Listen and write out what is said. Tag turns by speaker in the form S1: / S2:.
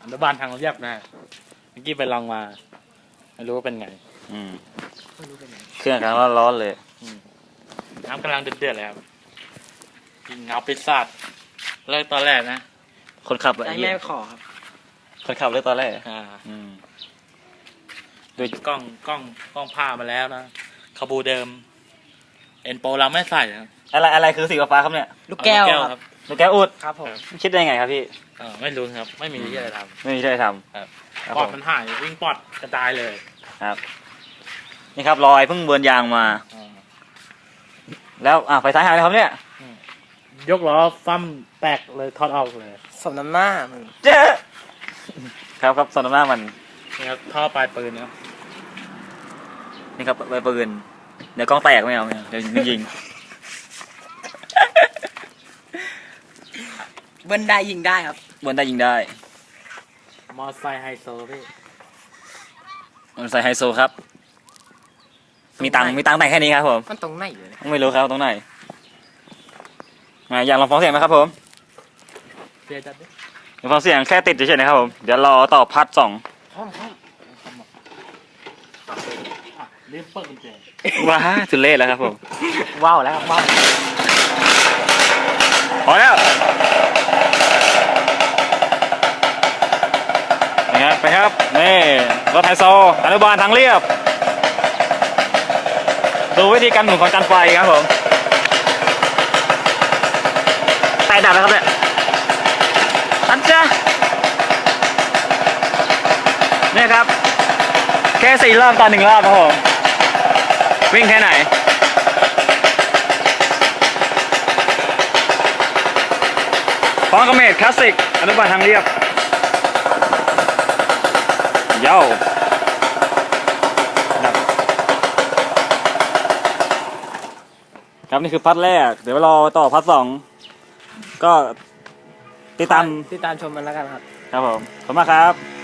S1: แล้วบ้านทางเรียบนะเมื่อกี้ไปลองมาไม่รู้ว่าเป็นไง
S2: ไม่รู้เป็นไง
S3: เครื่องกำลังร้อนๆเลย
S1: น้ำกำลังเดือดๆเลยครับกินเงาปิซซ่าเลิกตอนแรกนะ
S3: คนขับ
S2: ใจ
S3: ไอ้เหี้
S2: แม่
S3: ย
S2: ขอครับ
S3: คนขับเลยตอนแรก
S1: อืม
S3: โดย
S1: กล้องผ้ามาแล้วนะคาบูเดิมเอ็นโปเราไม่ใส่ครับ
S3: อะไรคือสีฟ้าครับเนี่ย
S2: ลูกแก้ว
S1: เอา
S2: ครับ
S3: ลูกแก้วอุด
S2: ครับผม
S3: คิดได้ไงครับพี่
S1: ไม่รู้ครับ ไม่มีที่อะไรท
S3: ไม่มีใช่ท
S1: ำครับ
S3: ำครับ
S1: ปอ
S3: ผ
S1: ด
S3: ม
S1: มันหายวิ่งปอดกระจายเลย
S3: ครับ นี่ครับรอยเพิ่งเบิร์นยางมา
S1: อ่า
S3: แล้วไฟท้ายหายเลยครับเนี่ย
S1: ยกล้อฟั่มแตกเลยทอดออกเลย
S2: สมน้ำหน้ามึง
S3: เจ๊ครับสนามหน้ามัน
S1: นี่ครับท่อปลายปืนนะครับ
S3: นี่ครับใบปืนเดี๋ยวกล้องแตกไม่เอาเดี๋ยวยิง
S2: เบิ้ลได้ยิงได้ครับ
S3: บนได้ยิงได้
S1: มอไซค์ไฮโซพี่
S3: มันใส่ไฮโซครับ มีตังค์แต่งแค่นี้ครับผม
S2: มันตรงไหนอยู่เนี่ย
S3: ไม่รู้ครับตรงไหนอยากลองฟังเสียงไหมครับผม
S1: เสียจัดดิ
S3: อยากฟังเสียงแค่ติดเฉยๆนะครับผมเดี๋ยวรอต่อพาร์ทสอง
S2: พร้อม
S1: รีบเปิดกุญแจ
S3: ว้าทุเล่แล้วครับผม
S2: ว้าวแล้วครับว้าว
S3: พอแล้วนะครับไปครับนี่รถไฮโซอนุบาลทางเรียบดูวิธีการหมุนของจานไฟครับผมไฟดับแล้วครับเนี่ยอันจ้าเนี่ยครับแค่4 รอบต่อ1 รอบครับผมวิ่งแค่ไหนพร้อมกับเมทคลาสสิกอนุบาลทางเรียบเย้าดับครับนี่คือพัทแรกเดี๋ยวรอต่อพัทสองก็ติดตาม
S2: ติดตามชมมันแล้วกันครับ
S3: ครับผมขอบคุณมากครับ